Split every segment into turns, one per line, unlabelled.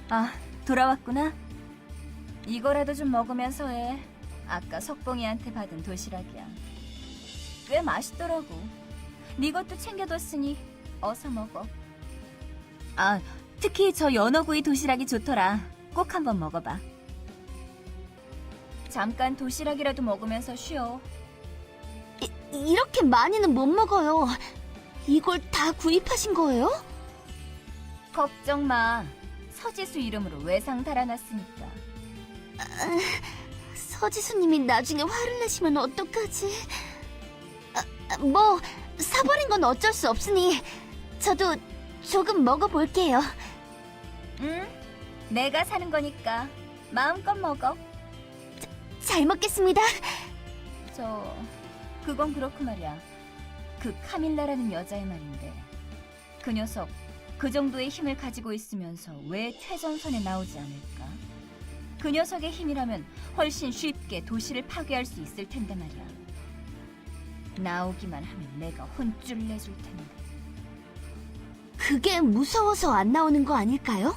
아, 돌아왔구나. 이거라도 좀 먹으면서 해. 아까 석봉이한테 받은 도시락이야. 꽤 맛있더라고. 네 것도 챙겨뒀으니 어서 먹어. 아, 특히 저 연어구이 도시락이 좋더라. 꼭 한번 먹어봐. 잠깐 도시락이라도 먹으면서 쉬어.
이렇게 많이는 못 먹어요. 이걸 다 구입하신 거예요?
걱정 마. 서지수 이름으로 외상 달아놨으니까.
서지수님이 나중에 화를 내시면 어떡하지? 뭐 사버린 건 어쩔 수 없으니 저도 조금 먹어볼게요.
응? 내가 사는 거니까 마음껏 먹어.
잘 먹겠습니다.
그건 그렇고 말이야. 그 카밀라라는 여자의 말인데 그 녀석 그 정도의 힘을 가지고 있으면서 왜 최전선에 나오지 않을까? 그 녀석의 힘이라면 훨씬 쉽게 도시를 파괴할 수 있을 텐데 말이야. 나오기만 하면 내가 혼쭐 내줄 텐데.
그게 무서워서 안 나오는 거 아닐까요?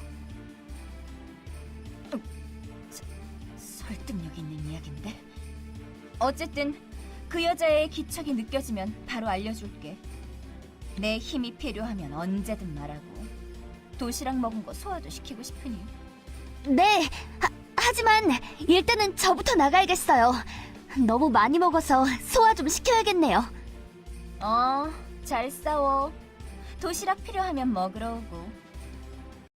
설득력 있는 이야기인데? 어쨌든 그 여자의 기척이 느껴지면 바로 알려줄게. 내 힘이 필요하면 언제든 말하고. 도시락 먹은 거 소화도 시키고 싶으니.
네, 하지만 일단은 저부터 나가야겠어요. 너무 많이 먹어서 소화 좀 시켜야겠네요.
잘 싸워. 도시락 필요하면 먹으러 오고.